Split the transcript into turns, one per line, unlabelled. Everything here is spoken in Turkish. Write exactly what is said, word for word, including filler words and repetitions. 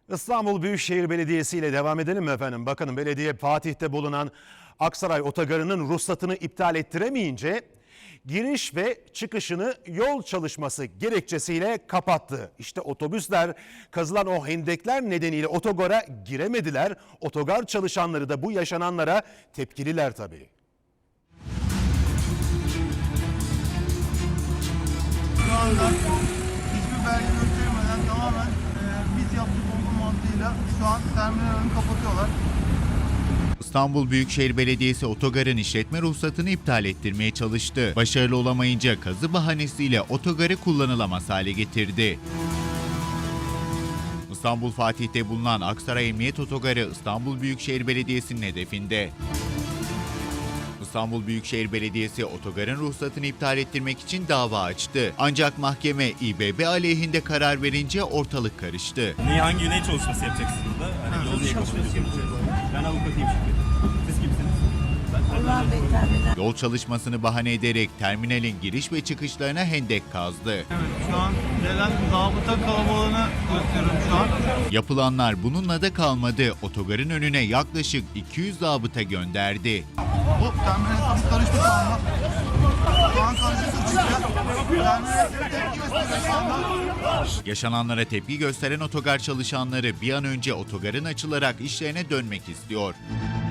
İstanbul Büyükşehir Belediyesi ile devam edelim mi efendim? Bakın belediye Fatih'te bulunan Aksaray Otogarı'nın ruhsatını iptal ettiremeyince giriş ve çıkışını yol çalışması gerekçesiyle kapattı. İşte otobüsler kazılan o hendekler nedeniyle otogara giremediler. Otogar çalışanları da bu yaşananlara tepkililer tabii.
Şu anda hiçbir belge göstermeden tamamen e, biz yaptık olduğu mantığıyla şu an terminal önünü kapatıyorlar.
İstanbul Büyükşehir Belediyesi otogarın işletme ruhsatını iptal ettirmeye çalıştı. Başarılı olamayınca kazı bahanesiyle otogarı kullanılamaz hale getirdi. İstanbul Fatih'te bulunan Aksaray Emniyet Otogarı İstanbul Büyükşehir Belediyesi'nin hedefinde. İstanbul Büyükşehir Belediyesi otogarın ruhsatını iptal ettirmek için dava açtı. Ancak mahkeme İBB aleyhinde karar verince ortalık karıştı.
Niye, hangi ne çalışması yapacaksınız burada? Hani yol niye kapatıyorsunuz? Ben avukatıyım şirketin. Siz kimsiniz? Ben
Yol çalışmasını bahane ederek terminalin giriş ve çıkışlarına hendek kazdı.
Evet, şu an gelen zabıta kalabalığını gösteriyorum şu an.
Yapılanlar bununla da kalmadı. Otogarın önüne yaklaşık iki yüz zabıta gönderdi.
Bu terminal hesabı karıştı şu anda. Şu an karıştı çıkacak. Terminal tepki gösteriyor şu anda.
Yaşananlara tepki gösteren otogar çalışanları bir an önce otogarın açılarak işlerine dönmek istiyor.